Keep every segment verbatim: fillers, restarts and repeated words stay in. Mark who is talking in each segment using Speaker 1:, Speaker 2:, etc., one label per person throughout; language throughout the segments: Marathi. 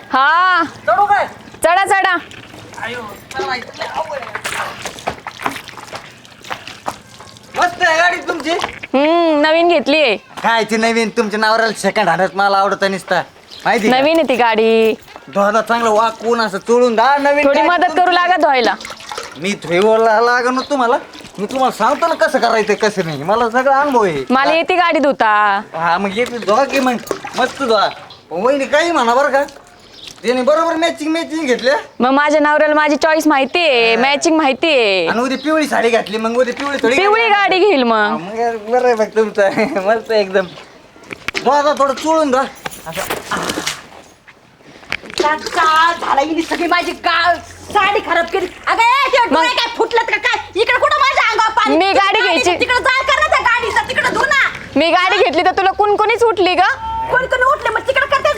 Speaker 1: हा
Speaker 2: चढू काय?
Speaker 1: चढा चढा.
Speaker 2: आयो चढायचं अवघड आहे. मस्त आहे गाडी तुमची.
Speaker 1: हम्म नवीन घेतलीये.
Speaker 2: काय ती नवीन तुमच्या नावाला सेकंड हँडच मला आवडत निसता माहिती का?
Speaker 1: नवीन आहे ती गाडी.
Speaker 2: धोदा चांगलं वाकून असं चोळून दा नवीन
Speaker 1: थोडी
Speaker 2: गाडी
Speaker 1: मदत
Speaker 2: तुमची.
Speaker 1: करू लागा धुवायला.
Speaker 2: मी धुईला लागण ना तुम्हाला. मी तुम्हाला सांगतो ना कसं करायचं कसं नाही मला सगळा अनुभव आहे.
Speaker 1: मला येते गाडी धुता.
Speaker 2: हा मग येते धुवा की मग मस्त धुवा. वहिनी काही म्हणा बरं का त्याने बरोबर मॅचिंग मॅचिंग घेतल्या.
Speaker 1: मग माझ्या नवऱ्याला माझी चॉईस माहितीये, मॅचिंग माहितीये.
Speaker 2: आणि उद्या पिवळी साडी घातली मग उद्या पिवळी थोडी
Speaker 1: पिवळी गाडी घेईल
Speaker 2: हा,
Speaker 1: मग.
Speaker 2: मग बरं आहे बघ तुमचं मस्त एकदम धुवा थोडं चोळून धुवा
Speaker 3: झाला हिने सगळी माझी गाळ साडी खराब केली. अगं ए, ते डोळे काय फुटलेत का काय? इकडे कुठं माझ्या अंगावर पाणी?
Speaker 1: मी गाडी घ्यायची.
Speaker 3: तिकडे जाळ कर ना त्या गाडीचा, तिकडे धु ना.
Speaker 1: मी गाडी घेतली तर तुला कुणकुणीच उठली ग.
Speaker 3: कोण कोण उठले मग तिकडे करते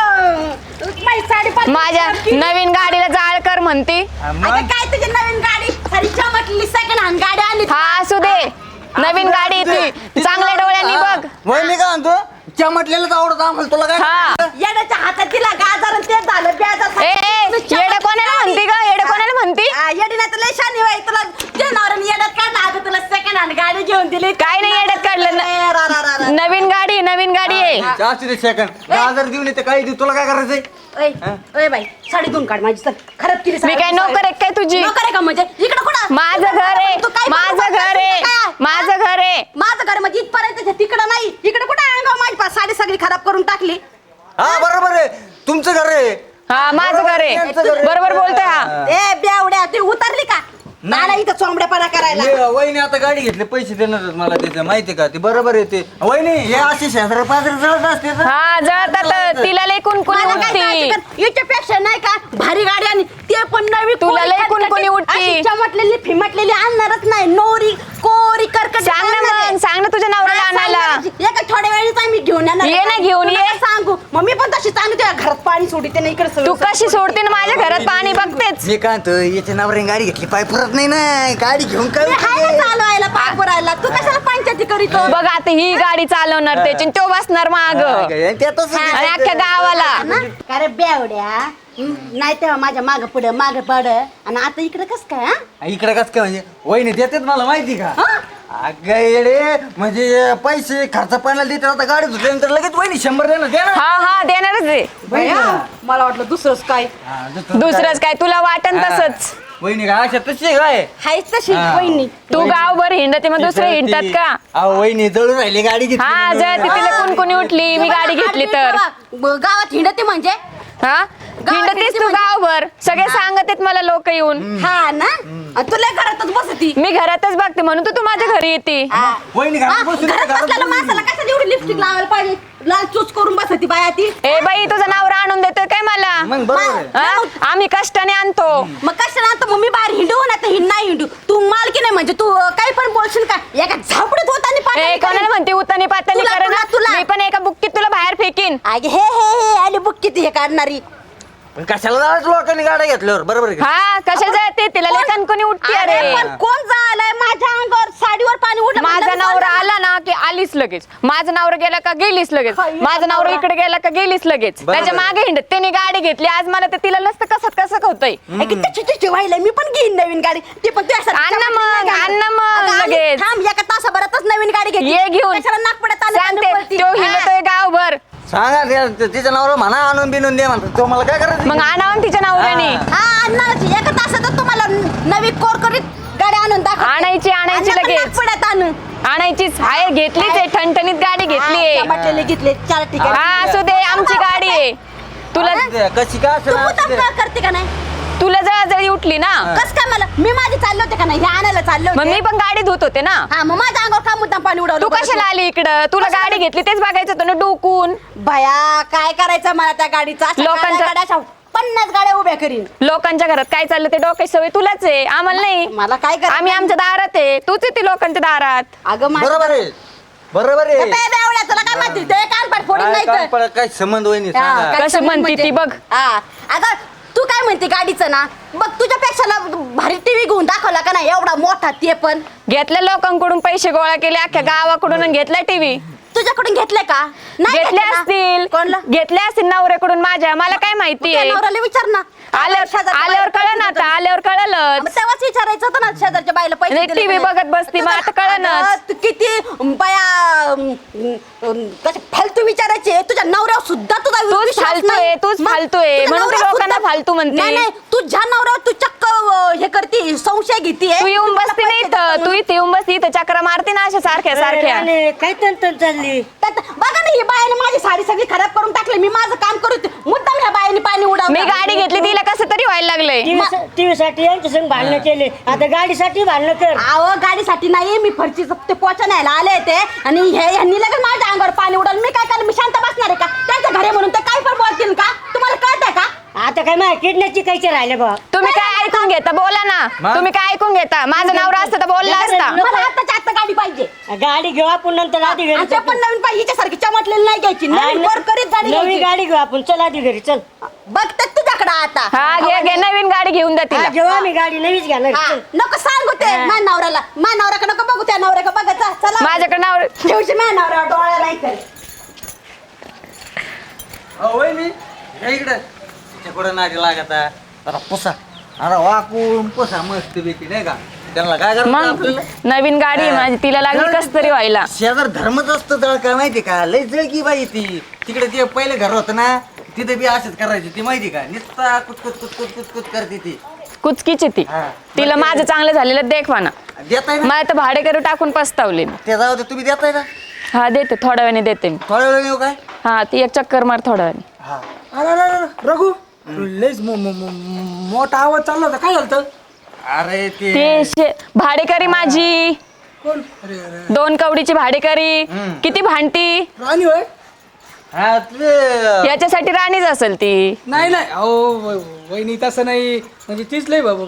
Speaker 3: जाग. माझी साडी पाणी
Speaker 1: माझ्या
Speaker 3: खराब केली.
Speaker 1: नवीन गाडीला जाळ कर म्हणती.
Speaker 2: हा, मग
Speaker 3: अगं काय तुझी नवीन गाडी सारी चमकली सेकंड हँड गाडी आली.
Speaker 1: हा असू दे. नवीन गाडी आहे ती. चांगल्या डोळ्यांनी बघ.
Speaker 2: वहिनी का म्हणतो चमटलेलंच आवडत आम्हाला तुला काय
Speaker 1: हा.
Speaker 3: येड्याच्या हातात तिला गाजर आणि ते झालं ब्याजर.
Speaker 1: ए ए, येडं कोणाला म्हणती ग? येडं कोणाला म्हणती?
Speaker 3: येडी ना तुला शानी बाई तुला जे नवऱ्याने येड्यात काढला अगं तुला सेकंड हँड गाडी घेऊन दिली.
Speaker 1: काय नाही येड्यात काढलं
Speaker 3: ए, रा, रा, रा, रा.
Speaker 1: न- नवीन गाडी नवीन गाडी आहे.
Speaker 2: जास्त दे सेकंड गाजर देऊन येते काही देऊ तुला काय करायचंय.
Speaker 3: ओय ओय बाई साडी धुवून काढ माझी चल खराब केली
Speaker 1: मी
Speaker 3: साडी.
Speaker 1: काय नोकर आहे काय तुझी?
Speaker 3: नोकर आहे का म्हणजे इकडे कुठं
Speaker 1: माझं घर आहे.
Speaker 3: तू काय
Speaker 1: माझं
Speaker 3: बडबड
Speaker 1: घर आहे.
Speaker 3: करते काय?
Speaker 1: माझं घर आहे.
Speaker 3: माझं घर म्हणजे इथपर्यंत तिकडं नाही इकडे कुठं अंगावर माझी पा- साडी सगळी खराब करून टाकली.
Speaker 2: हा बरोबर आहे तुमचं घर आहे.
Speaker 1: हा माझं घर आहे.
Speaker 2: यांचं घर आहे.
Speaker 1: बरोबर बोलतोय हा.
Speaker 3: ए बेवड्या ती उतरली का मला इथं चोंबड्यापणा करायला.
Speaker 2: ये, वहिनी आता गाडी घेतली पैसे देणार मला त्याचं माहिती का ते बरोबर आहे ते वहिनी हे असे शेजारी पाजारी जळत असते तर.
Speaker 1: हा जळतात तिला लय कुणकुणी
Speaker 3: मला काय
Speaker 1: उठती.
Speaker 3: करायचं कर? याच्यापेक्षा नाही का भारी गाडी आणि ते पण नवी
Speaker 1: तुला
Speaker 3: कोरी
Speaker 1: लय
Speaker 3: खटखटी,
Speaker 1: कुणकुणी उठती.
Speaker 3: अशी चमटलेली फिमटलेली आणणारच नाही नोरी कोरी करकट
Speaker 1: सांग ना मग सांग ना तुझ्या नवऱ्याला आणायला.
Speaker 3: एका थोड्या वेळीच आम्ही घेऊन येणार.
Speaker 1: ये ना घेऊन
Speaker 3: तुला
Speaker 1: ये.
Speaker 3: काय सांगू मग मी पण तशी चांगली तुझ्या घरात पाणी सोडते ना इकडे सगळं-
Speaker 1: तू कशी सोडते ना माझ्या घरात पाणी बघतेच.
Speaker 2: मी काय म्हणतो याच्या नावाने गाडी घेतली पाय पुरत नाही ना गाडी घेऊन काय
Speaker 3: मी हाय ना चालवायला पाय पुरायला तू कशाला पंचायती करीतो.
Speaker 1: बघ आता ही गाडी चालवणार त्याची तो बसणार माग
Speaker 2: त्यातच
Speaker 1: आणि अख्ख्या गावाला.
Speaker 3: ना? का रे बेवड्या हं? नाही तेव्हा माझ्या माग पुढे माग पड आणि आता इकडे कस काय हा?
Speaker 2: इकडे कस काय म्हणजे वहिनी देतात मला माहिती का
Speaker 3: हं?
Speaker 2: अगं येडे म्हणजे पैसे खर्च पाण्याला देतात आता गाडी धुतल्यानंतर लगेच वहिनी शंभर देणार दे ना.
Speaker 1: हा हा देणारच आहे.
Speaker 3: बया, मला वाटलं दुसरंच काय
Speaker 2: हा, दुसरं
Speaker 1: दुसरंच काय तुला वाटन
Speaker 2: हा.
Speaker 1: तसंच.
Speaker 2: वहिनी काय अशा तशी काय
Speaker 3: हायच तशी
Speaker 2: हा.
Speaker 3: वहिनी.
Speaker 1: तू गावभर हिंडते मग दुसरे हिंडतात का?
Speaker 2: अहो वहिनी जळून राहिली गाडी घेतली
Speaker 1: हा
Speaker 2: म्हणून.
Speaker 1: जळते तिला कुणकुणी उठली मी गाडी घेतली तर.
Speaker 3: ब- गावात हिंडते म्हणजे
Speaker 1: हा हिंडतेस तू गावभर सगळे सांगत आहेत मला लोक येऊन.
Speaker 3: हा ना आणि तुला घरातच बसती.
Speaker 1: मी घरातच बघते म्हणून तू तू माझ्या घरी येते.
Speaker 3: हा.
Speaker 2: वहिनी
Speaker 3: हा,
Speaker 2: घरात बसून
Speaker 3: घरात
Speaker 2: घरात
Speaker 3: बसलेल्या
Speaker 2: बसून.
Speaker 3: माणसाला कशाला एवढी लिपस्टिक लावायला पाहिजे लाल चूच करून बसती बाया ती.
Speaker 1: ए बाई तुझा नवरा आणून देतोय काय मला?
Speaker 2: मग बरोबर आहे
Speaker 1: हा? आम्ही कष्टाने आणतो.
Speaker 3: मग कशाला आणतो मग मी बाहेर हिंडू ना तर हिंड नाही हिंडू तू मालकी नाही म्हणजे तू अं, काही पण बोलशील का एका झापडीत होताना
Speaker 1: ए
Speaker 3: पाणी
Speaker 1: कोणाला म्हणते उतानी पातानी
Speaker 3: तुला,
Speaker 1: कर ना.
Speaker 3: तुला, तुला.
Speaker 1: मी पण एका बुक्कीत तुला बाहेर फेकीन.
Speaker 3: अगे हे हे हे आली बुक किती हे काढणारी.
Speaker 2: पण कशाला जायचं लोकांनी गाड्या घेतल्यावर बरोबर आहे का?
Speaker 1: हा कशाला जाते तिला लय कणकणी उठते
Speaker 3: अरे
Speaker 1: अरे.
Speaker 3: पण कोण जायलाय माझ्या अंगावर साडीवर पाणी उडलं
Speaker 1: माझा
Speaker 3: म्हणलं
Speaker 1: नवरा
Speaker 3: मी
Speaker 1: आला ना की आलीच लगेच. माझा नवरा गेला का गेलीच लगेच.
Speaker 3: हाय,
Speaker 1: माझा नवरा
Speaker 3: नवरा.
Speaker 1: इकडे गेला का गेलीच लगेच.
Speaker 2: बरोबर
Speaker 1: त्याच्या
Speaker 2: आहे.
Speaker 1: मागे हिंडत त्याने गाडी घेतली आज मला ते तिला नसतं कसत कसं होतंय.
Speaker 3: जाणार. अगे त्याची त्याची व्हायला मी पण घेईन नवीन गाडी ती पण तुझ्यासारखी
Speaker 1: आण ना
Speaker 3: चमकली
Speaker 1: मग,
Speaker 3: नाही
Speaker 1: आण ना मग
Speaker 3: अगं, आम्ही
Speaker 1: लगेच.
Speaker 3: थांब एका तासाभरातच नवीन गाडी घेतली
Speaker 1: ये घेऊन
Speaker 3: कशाला नागपुड्यात आले
Speaker 1: सांगते
Speaker 3: आणि पळती.
Speaker 1: तो
Speaker 3: हा.
Speaker 1: हिंडतोय गावभर.
Speaker 2: सांगा त्या- तिच्या नावाला म्हणा आणून बिनून दे म्हणतो तो मला काय करायचं
Speaker 1: मग आणावं तिच्या नवऱ्याने.
Speaker 2: हा.
Speaker 3: हा आणणारच एका तासातच तुम्हाला नवी कोरकरीत गाडी आणून दाखव
Speaker 1: आणायची आणायची लगेच
Speaker 3: नागपुड्यात आणू
Speaker 1: आणायचीच आहे घेतलीच आहे ठणठणीत गाडी घेतलीये.
Speaker 3: हा, म्हटलेले घेतले चार ठिकाणी
Speaker 1: हा असू दे आमची गाडी आहे. तुला
Speaker 2: ते कशी काय
Speaker 3: तू
Speaker 2: असेल
Speaker 3: मुद्दाम
Speaker 2: असू दे.
Speaker 3: का करते का नाही
Speaker 1: तुला जळजळी उठली ना
Speaker 3: कस काय मला मी माझी चालले होते का नाही हे आणायला चालले
Speaker 1: मग
Speaker 3: होते
Speaker 1: मी पण गाडी धुत होते ना.
Speaker 3: हा मग माझ्या अंगावर का मुद्दाम पाणी उडवलं
Speaker 1: तू
Speaker 3: बरं
Speaker 1: कशाला आली इकडं? तुला
Speaker 3: कशाला?
Speaker 1: गाडी घेतली तेच बघायचं होतं ना डोकून.
Speaker 3: भया काय करायचं मला त्या गाडीचा अशा
Speaker 1: लोकांच्या-
Speaker 3: गाड्या अशा पन्नास गाड्या उभ्या करीन
Speaker 1: लोकांच्या घरात काय चाललं ते डोक्याची सवय तुलाच आहे आम्हाला नाही.
Speaker 3: मला काय करायचं?
Speaker 1: आम्ही आमच्या दारात आहे तूच येते लोकांच्या दारात.
Speaker 3: अगं माझ्या-
Speaker 2: बरोबर आहे बरोबर आहे
Speaker 3: ए, बे, बेवड्या, तुला काय माहिती ते कानपाट फोडून
Speaker 2: काय
Speaker 3: नाही
Speaker 2: काम
Speaker 3: तर.
Speaker 2: पडत, काय संबंध वहिनी
Speaker 3: हा,
Speaker 2: सांगा
Speaker 3: काय
Speaker 1: कसं
Speaker 3: संबंध
Speaker 1: म्हणती
Speaker 3: म्हणजे?
Speaker 1: ती बघ.
Speaker 3: हा अगं तू काय म्हणते गाडीचं ना बघ तुझ्यापेक्षा ना भारी टीव्ही घेऊन दाखवला का नाही एवढा मोठा ते पण
Speaker 1: घेतल्या लोकांकडून पैसे गोळा केले अख्ख्या गावाकडून आणि घेतला टीव्ही.
Speaker 3: तुझ्याकडून घेतले का नाही
Speaker 1: घेतले
Speaker 3: घेतले ना?
Speaker 1: असतील
Speaker 3: कोणला
Speaker 1: घेतले असतील नवऱ्याकडून माझ्या मला काय माहिती
Speaker 3: तुझ्या
Speaker 1: आहे
Speaker 3: नवऱ्याला विचार ना
Speaker 1: आल्यावर
Speaker 3: शेजारच्या
Speaker 1: आल्यावर
Speaker 3: बाईला
Speaker 1: कळलं ना
Speaker 3: पैसे
Speaker 1: आता
Speaker 3: दिले
Speaker 1: आल्यावर
Speaker 3: होते.
Speaker 1: कळलं
Speaker 3: मग तेव्हाच विचारायचं होतं ना शेजारच्या बाईला पैसे
Speaker 1: नाही,
Speaker 3: दिले
Speaker 1: टी व्ही
Speaker 3: का नाही?
Speaker 1: बघत बसती, मग आता कळेनाच.
Speaker 3: अगं, तू किती बाया अं, अं, कसे फालतू विचारायचे तुझ्या नवऱ्यावर सुद्धा तुझा
Speaker 1: तूच
Speaker 3: विश्वास
Speaker 1: फालतू
Speaker 3: नाही.
Speaker 1: आहे, तूच
Speaker 3: मग
Speaker 1: फालतू आहे.
Speaker 3: तुझ्या
Speaker 1: म्हणून तू
Speaker 3: नवऱ्यावर
Speaker 1: लोकांना
Speaker 3: सुद्धा-
Speaker 1: फालतू म्हणते.
Speaker 3: नाही नाही तुझ्या नवऱ्यावर तू चक्क अं, हे करते संशय घेते
Speaker 1: तू येऊन बसती नाही इथं तू इथे येऊन बसती इथं चक्र मारते ना अशा सारख्या सारख्या
Speaker 4: अरे, काय तंतन चालली
Speaker 3: त्यात बघा ना ही बायाने माझी साडी सगळी खराब करून टाकली मी माझं काम करू मुद्दाम ह्या बायाने पाणी उडावलं
Speaker 1: मी गाडी घेतली तिला कसं तरी व्हायला लागलंय
Speaker 4: टीव्ही साठी यांच्या संग भांडणं केले आता गाडीसाठी भांडणं कर
Speaker 3: आव गाडीसाठी नाही मी फरची ते पोचा न्यायला आले ते आणि हे ह्यांनी लगेच माझ्या अंगावर पाणी उडाल मी काय करणार मी शांत बसणार आहे का त्यांच्या घरी म्हणून ते काय पण बोलतील का तुम्हाला कळतंय का
Speaker 4: आता काय माझ्या किडनॅपची कायचे राहिले बा
Speaker 1: तुम्ही काय ऐकून घेता बोला ना
Speaker 2: मग?
Speaker 1: तुम्ही काय ऐकून घेता माझं नवरा असतं तर बोलला असता
Speaker 3: मला आताच्या आता गाडी पाहिजे
Speaker 4: गाडी घेऊ आपण नंतर आधी घरी
Speaker 3: आणि ते पण नवीन पाहिजे हिच्यासारखी चमटलेली नाही घ्यायची नवीन वर करीत गाडी
Speaker 4: नवी
Speaker 3: घ्यायची.
Speaker 4: गाडी घेऊ आपण चल आधी घरी चल
Speaker 3: बघतात तुझ्याकडे आता
Speaker 1: हा घे घे नवीन गाडी घेऊन द्या
Speaker 4: हा,
Speaker 1: तिला
Speaker 4: घेऊ आम्ही गाडी नवीच घेणार
Speaker 3: हा,
Speaker 4: चल.
Speaker 3: नको सांगू ते माझ्या नवऱ्याला माझ्या नवऱ्याकडे नको बघू त्या नवऱ्याकडे बघा चा- चला
Speaker 1: माझ्याकडे नवरा
Speaker 3: ठेवशी माझ्या नवऱ्यावर डोळ्या नाही कर
Speaker 2: अहो वहिनी या इकडे तिच्याकडे नाडी लागत आहे. जरा पुसा अरे वाकून पुसा मस्त पैकी नाही का त्यांना काय करतात
Speaker 1: मग
Speaker 2: आपल्याला
Speaker 1: नवीन गाडी आहे माझी तिला लागली कस तरी व्हायला
Speaker 2: शेजार धर्मच असतं तर काय माहिती का लय जळकी बाई ती तिकडे ते पहिले घर होतं ना तिथे बी असंच करायची ती माहिती का नुसता कुचकुच कुचकुच कुचकुच करते ती
Speaker 1: कुचकीची ती
Speaker 2: हा.
Speaker 1: तिला माझं चांगलं झालेलं देखवा ना
Speaker 2: देताय ना
Speaker 1: मला तर भाडेकरू टाकून पस्तावले मी
Speaker 2: ते जाऊ दे तुम्ही देताय ना
Speaker 1: हा देते थोड्या वेळाने देते मी
Speaker 2: थोड्या वेळ येऊ काय
Speaker 1: हा ती एक चक्कर मार थोड्या वेळाने
Speaker 2: हा
Speaker 5: अरे अरे अरे, रघु लयच मो- मो- मो- मोठा आवाज चालला होता काय झालं
Speaker 2: अरे ते
Speaker 1: ते शे- भाडेकरी माझी
Speaker 5: कोण अरे अरे
Speaker 1: दोन कवडीची भाडेकरी किती भांडती
Speaker 5: राणी होय
Speaker 2: हा ते
Speaker 1: याच्यासाठी राणीच असेल ती
Speaker 5: नाही नाही अहो व- वहिनी तसं नाही म्हणजे तीच लय बाबा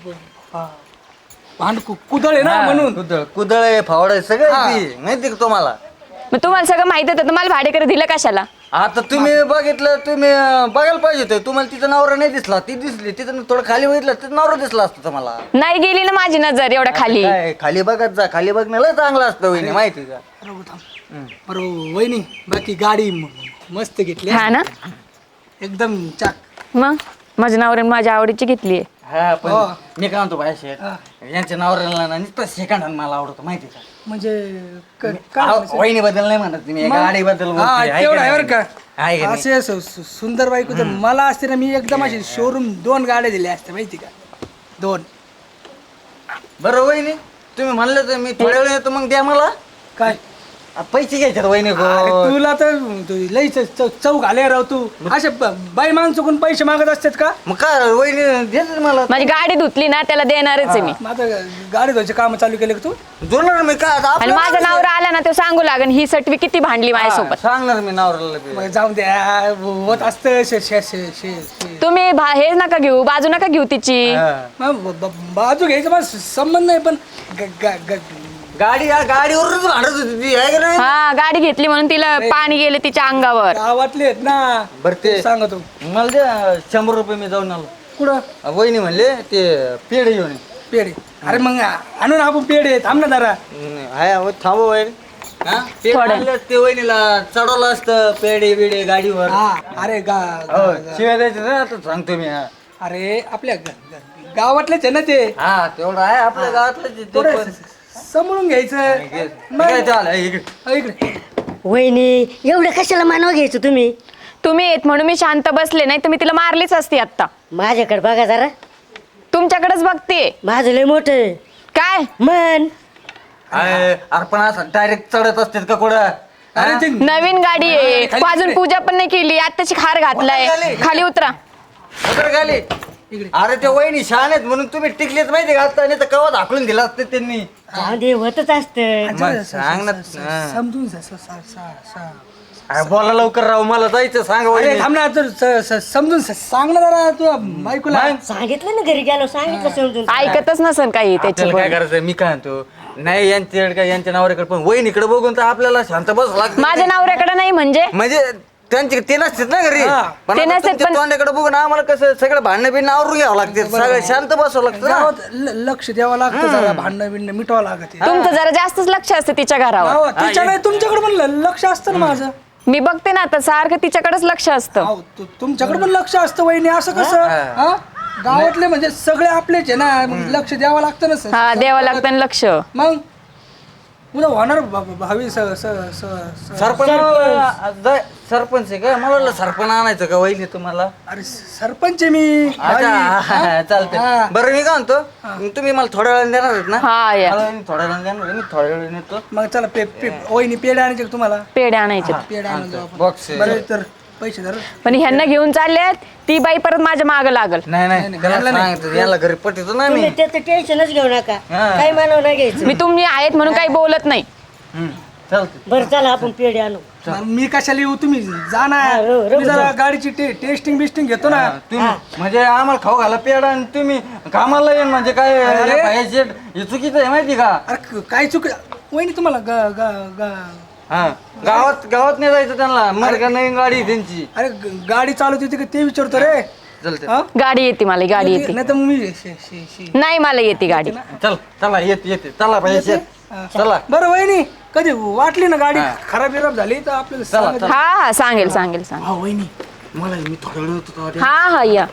Speaker 5: भांड कु- कुदळ आहे ना
Speaker 2: हा,
Speaker 5: म्हणून
Speaker 2: कुदळ कुदळ आहे फावड आहे सगळं
Speaker 5: हा.
Speaker 2: आहे ती माहिती का तुम्हाला
Speaker 1: मग तुम्हाला सगळं माहित होतं तुम्हाला भाडेकरी दिलं कशाला
Speaker 2: आता तुम्ही बघितलं तुम्ही अं, बघायला पाहिजे होतं तुम्हाला तिचा नवरा नाही दिसला ती दिसली तिथं थोडं खाली बघितलं तिचा नवरा दिसला असतो तुम्हाला
Speaker 1: नाही गेली ना माझी नजर एवढ्या खाली
Speaker 2: काय खाली बघत जा खाली बघण्याला चांगलं असतं वहिनी माहिती का
Speaker 5: रघु थांब बरं वहिनी बाकी गाडी म- मस्त घेतली
Speaker 1: हा ना
Speaker 5: एकदम चाक
Speaker 1: मग माझ्या नवऱ्याने माझ्या आवडीची घेतली
Speaker 2: हा पण
Speaker 5: हो.
Speaker 2: मी काय म्हणतो भाई शेठ यांच्या नवऱ्याला ना नुसतं सेकंड हँड मला आवडतो माहिती का
Speaker 5: म्हणजे क- काय म्हणायचं?
Speaker 2: वहिनी बद्दल नाही म्हणत तुम्ही गाडी बद्दल
Speaker 5: हा तेवढं आहे बरं का
Speaker 2: आहे का नाही?
Speaker 5: असे सु- सु- सुंदर बायको तर मला असते ना मी एकदम अशी शोरूम दोन गाड्या दिल्या असत्या माहिती का दोन
Speaker 2: बरं वहिनी तुम्ही म्हणलं तर मी थोड्या वेळ येतो मग द्या मला
Speaker 5: काय
Speaker 2: आ, पैसे घ्यायच्यात वहिनी
Speaker 5: अरे
Speaker 2: गो
Speaker 5: तुला तर तू लई च- च- चौक आले राव तू असे ब- बाई माणसं पैसे मागत असतात का
Speaker 2: मग काय वहिनी देतात मला
Speaker 1: माझी गाडी धुतली ना त्याला देणारच आहे मी
Speaker 5: मग आता गाडी धुवायचे काम चालू केले का तू
Speaker 2: जोडणार मी काय आता
Speaker 1: आणि
Speaker 2: आपलं
Speaker 1: माझा
Speaker 2: माणूस
Speaker 1: नवरा आला ना तो सांगू लागन ही सटवी किती भांडली
Speaker 2: आहे.
Speaker 1: माझ्यासोबत
Speaker 2: हा, सांगणार मी नवऱ्याला बी.
Speaker 5: मग जाऊन द्या होत असतं शे- शे- शे- शे- शे.
Speaker 1: तुम्ही भा- हे नका घेऊ बाजू नका घेऊ तिची
Speaker 2: हा.
Speaker 5: मग ब- ब- बाजू घ्यायचं मला संबंध नाही पण ग- ग- ग-
Speaker 2: गाडी या गाडीवरच भांडत होती ती आहे का नाही
Speaker 1: हा गाडी घेतली म्हणून तिला पाणी गेले तिच्या अंगावर
Speaker 5: गावातले आहेत ना
Speaker 2: बरं ते
Speaker 5: सांगतो
Speaker 2: मला द्या शंभर रुपये मी जाऊन आलो
Speaker 5: कुठं
Speaker 2: अ, वहिनी म्हणले ते पेढे घेऊन ये.
Speaker 5: पेढे अरे मग आणून आपण पेढे थांब ना जरा
Speaker 2: नाही, हाय अहो, थांबव वहिनी हा पेढे
Speaker 1: थोडं.
Speaker 2: आणले, ते वहिनीला चढवलं असतं पेढे बिडे गाडीवर
Speaker 5: हा अरे गा
Speaker 2: हो
Speaker 5: गा-
Speaker 2: शिवाय द्यायचं ना आता सांगतो मी हा
Speaker 5: अरे आपल्या ग- ग- गावातलेच आहे ना ते
Speaker 2: हा तेवढं आहे आपल्या गावातलं ते- ते
Speaker 5: थोडं
Speaker 2: पण.
Speaker 5: समजून घ्यायचं
Speaker 2: ठीक आहे, चालेल, इकडे.
Speaker 5: अ, इकडे
Speaker 4: वहिनी एवढं कशाला मानव घ्यायचं तुम्ही
Speaker 1: तुम्ही येत म्हणून मी शांत बसले नाही तर मी तिला मारलीच असती आता
Speaker 4: माझ्याकडे बघा जरा
Speaker 1: तुमच्याकडेच बघते
Speaker 4: माझं लय मोठं
Speaker 1: काय
Speaker 4: मन
Speaker 2: आहे, अरे पण असं डायरेक्ट चढत असतात का कुठं
Speaker 5: अरे
Speaker 2: हा?
Speaker 5: ते
Speaker 1: नवीन गाडी आहे
Speaker 5: खाली
Speaker 1: अजून पूजा पण नाही केली आत्ताची खार घातलाय
Speaker 2: खाली.
Speaker 1: खाली उतरा
Speaker 2: उतर खाली अरे ते वहिनी छान आहेत म्हणून तुम्ही टिकलेच माहिती का आता नाही तर कवा दाखवून दिला असते त्यांनी
Speaker 4: जाऊ दे होतच असतं
Speaker 2: मग सांग ना हा.
Speaker 5: समजून जा, स- स- स- स-
Speaker 2: अरे बोला लवकर राहू मला जायचं सांग
Speaker 5: अरे
Speaker 2: वहिनी
Speaker 5: थांब ना तर स- स- समजून स- सांग ना जरा तू बायकोला
Speaker 4: सांगितलं ना घरी गेलो सांगितलं समजून
Speaker 1: ऐकतच नसन काही
Speaker 2: आपल्याला काय
Speaker 1: त्याच्यावर
Speaker 2: करायचं मी काय म्हणतो नाही यांच्याकडे काय यांच्या नवऱ्याकडे पण वहिनीकडे बघून तर आपल्याला शांत बस लागत
Speaker 1: माझ्या नवऱ्याकडे नाही म्हणजे
Speaker 2: म्हणजे त्यांचे ते नसतात ना घरी
Speaker 5: हा.
Speaker 2: पण
Speaker 1: ते
Speaker 2: आता
Speaker 1: नसतात,
Speaker 2: तुमच्या
Speaker 1: पण-
Speaker 2: तोंडाकडे बघून आम्हाला कसं सगळं भांडणं बिणणं आवरून घ्यावं लागते सगळं शांत बसावं लागतं ना.
Speaker 5: गावात ल- लक्ष द्यावं लागतं जरा भांडणं बिंडणं मिटवावं लागत
Speaker 1: तुमचं जरा जास्तच लक्ष असतं तिच्या घरावर
Speaker 5: गावात त्याच्या नाही तुमच्याकडे पण ल- लक्ष असतं ना माझं
Speaker 1: मी बघते ना आता सारखं तिच्याकडेच लक्ष असतं
Speaker 5: अहो, तु- तुमच्याकडे पण लक्ष असतं वहिनी असं कसं हा? गावातले म्हणजे सगळे आपलेच आहे ना मग लक्ष द्यावं लागतं ना सर
Speaker 1: हा द्यावं लागतं ना लक्ष
Speaker 5: मग उद्या होणार भा- भा- भावी स- स- स- स-
Speaker 2: सरपंच जाय- सरपंच आहे का मला वाटलं सरपंच आणायचं का वहिनी तुम्हाला
Speaker 5: अरे सरपंच आहे मी
Speaker 2: अच्छा
Speaker 5: भावी.
Speaker 2: चालतंय
Speaker 5: हा.
Speaker 2: बरं मी काय म्हणतो तुम्ही मला थोड्या वेळाने देणार आहेत ना
Speaker 1: हा या
Speaker 2: मला मी थोड्या वेळाने देणार आहे, मी थोड्या वेळाने येतो
Speaker 5: मग चला पे पे वहिनी पेढे आणायचे का तुम्हाला
Speaker 1: पेढे आणायचे
Speaker 5: पेढे आणून जाऊ आपण.
Speaker 2: बॉक्स
Speaker 5: बरं तर पैसे धर
Speaker 1: पण ह्यांना घेऊन चालल्यात ती बाई परत माझ्या माग लागल
Speaker 2: नाही नाही त्याला सांगतो याला घरी पटतो ना मी
Speaker 4: तुम्ही त्याचं टेन्शनच घेऊ नका
Speaker 2: हा.
Speaker 4: काही मानव नाही घ्यायचं
Speaker 1: मी तुम्ही आहेत म्हणून काही बोलत नाही
Speaker 2: हम्म, चालतंय
Speaker 4: बरं चला आपण पेढे आणू
Speaker 5: मग मी कशाला येऊ तुम्ही
Speaker 4: हा,
Speaker 5: जाणार
Speaker 4: रो- रो-
Speaker 5: मी जरा गाडीची टे- टेस्टिंग बिस्टिंग घेतो ना
Speaker 2: तुम्ही म्हणजे आम्हाला खाऊ घाला पेडा आणि तुम्ही कामाला येईन म्हणजे काय
Speaker 5: अरे.
Speaker 2: पाहिजे हे चुकीचं आहे माहिती का
Speaker 5: अरे क- काय चुक वहिनी तुम्हाला ग- ग- ग-
Speaker 2: हा गावात गावात नाही जायचं त्यांना मर का नाही गाडी आहे त्यांची
Speaker 5: अरे ग- गाडी चालवत होती का ते विचारतो रे
Speaker 2: चालते
Speaker 5: हा?
Speaker 1: गाडी येते मला गाडी येते
Speaker 5: नाही तर मग मी शे- शे- शे-
Speaker 1: नाही मला येते गाडी
Speaker 2: चल चला येते येते चला पाहिजे चला
Speaker 5: बरं वहिनी कधी वाटली ना गाडी खराब बिराब झाली तर आपल्याला
Speaker 2: चला,
Speaker 5: सांगायचं.
Speaker 1: हा हा सांगेल सांगेल सांगेल
Speaker 5: हा वहिनी
Speaker 2: मला मी थोडा वेळ होतो तेव्हा ते-
Speaker 1: हा हा या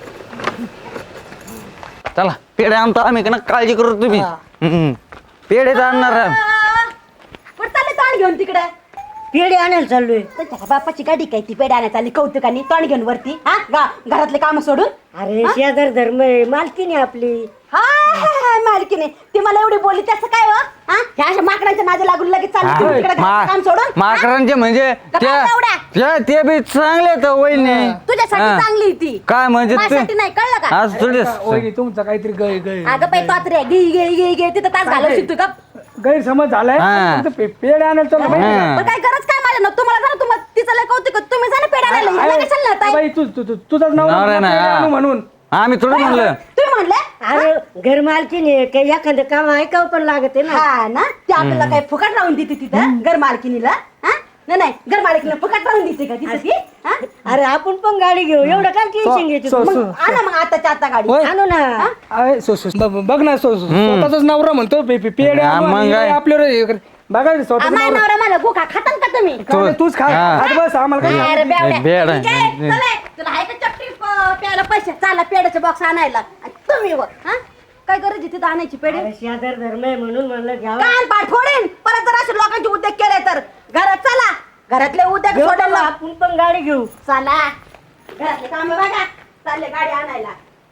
Speaker 2: चला पेढे आणतो आम्ही का ना काळजी करू तुम्ही हम्म. पेढे तर आणणार आहे.
Speaker 3: कुठं चालले तोंड घेऊन तिकडे
Speaker 4: पेढे आणायला चाललोय
Speaker 3: त्याच्या बापाची गाडी काय ती पेढे आणायला चालली कौतुकाने तोंड घेऊन वरती हा गा- घरातले काम सोडून
Speaker 4: अरे शेजार धर्म आहे, मालकीने आपली
Speaker 3: हा हा, हा, मालकीने ती मला एवढी बोलली त्याचं काय हो हा ह्या अशा माकडांच्या नादी लागून लगेच चालली तुम्ही तिकडे घरातलं काम सोडून हा?
Speaker 2: माकरांचे म्हणजे
Speaker 3: का
Speaker 2: त्या
Speaker 3: काय एवढ्या?
Speaker 2: त्या- ते बी चांगले तर वहिनी
Speaker 3: तुझ्यासाठी
Speaker 2: हा.
Speaker 3: चांगली ती
Speaker 2: काय म्हणजे ते-
Speaker 3: माझ्यासाठी नाही कळलं का
Speaker 2: आज थोडी
Speaker 5: वहिनी तुमचा काहीतरी गै गै
Speaker 3: अगं पाय तोत्रे गे गे गे गे तिथं तास घालवशी तू का
Speaker 5: गैरसमज झालाय
Speaker 2: हा.
Speaker 5: फक्त पे- पेढे आणायला चाललो माहिती आहे
Speaker 2: हा.
Speaker 3: पण काय गरज काय माझ्या ना तुम्हाला जरा तुम्हाला तिचं लय कौतुक आहे. तुम्ही जा ना पेढा आणायला
Speaker 5: का?
Speaker 3: ह्याला कशाला लावताय?
Speaker 5: बाई तू तू- तू- तुझाच नाव
Speaker 2: नवरा नाही,
Speaker 5: पेढे
Speaker 2: हा.
Speaker 5: आणू म्हणून
Speaker 2: आम्ही थोडं म्हणलं
Speaker 3: तुम्ही म्हणले
Speaker 4: अरे घर मालकीने काही एखादं काम ऐकावं पण लागत आहे ना
Speaker 3: हा ना ते आपल्याला काय फुकट राहून देते तिथं घर मालकिनीला हा नाही नाही घर मालकीला फुकट राहून देते का तिथं ती हा?
Speaker 4: अरे आपण पण गाडी घेऊ एवढं काय टेन्शन घेते
Speaker 5: सो-
Speaker 4: तू?
Speaker 5: सो-
Speaker 3: मग आणा मग आताच्या आता गाडी
Speaker 5: होय.
Speaker 4: आणू ना
Speaker 5: अरे, सो- सो- ब- बघ ना सो- सो- स्वतःचाच नवरा म्हणतो पे- पे- पेढे
Speaker 2: हा,
Speaker 5: आणू
Speaker 2: मग
Speaker 5: आणि
Speaker 2: काय?
Speaker 5: आपल्यावर हे कर. बघा स्वतःच
Speaker 3: आम्हाला
Speaker 5: नवरा
Speaker 3: नवरा मला गोखा खातान का तुम्ही
Speaker 5: काय नाही, तूच खा
Speaker 2: हा.
Speaker 5: खात बस आम्हाला काय
Speaker 3: अरे बेवड्या.
Speaker 2: बेड आहे.
Speaker 3: ठीक आहे, चला, तुला आहे का चपटी प- प्यायला पैसे चाला पेड्याचे बॉक्स आणायला आणि तुम्ही वर हा काय गरज आहे तिथं आणायची पेढे
Speaker 4: अरे शेजार धर्म आहे म्हणून म्हणलं घ्यावा
Speaker 3: कान पाठ फोडेन परत जर असे लोकांचे उद्योग केले तर घरात चला घरातले उद्योग
Speaker 4: घेऊ
Speaker 3: सोडायला
Speaker 4: बाबा, आपण पण गाडी घेऊ
Speaker 3: चला घरातले काम बघा चालले गाडी आणायला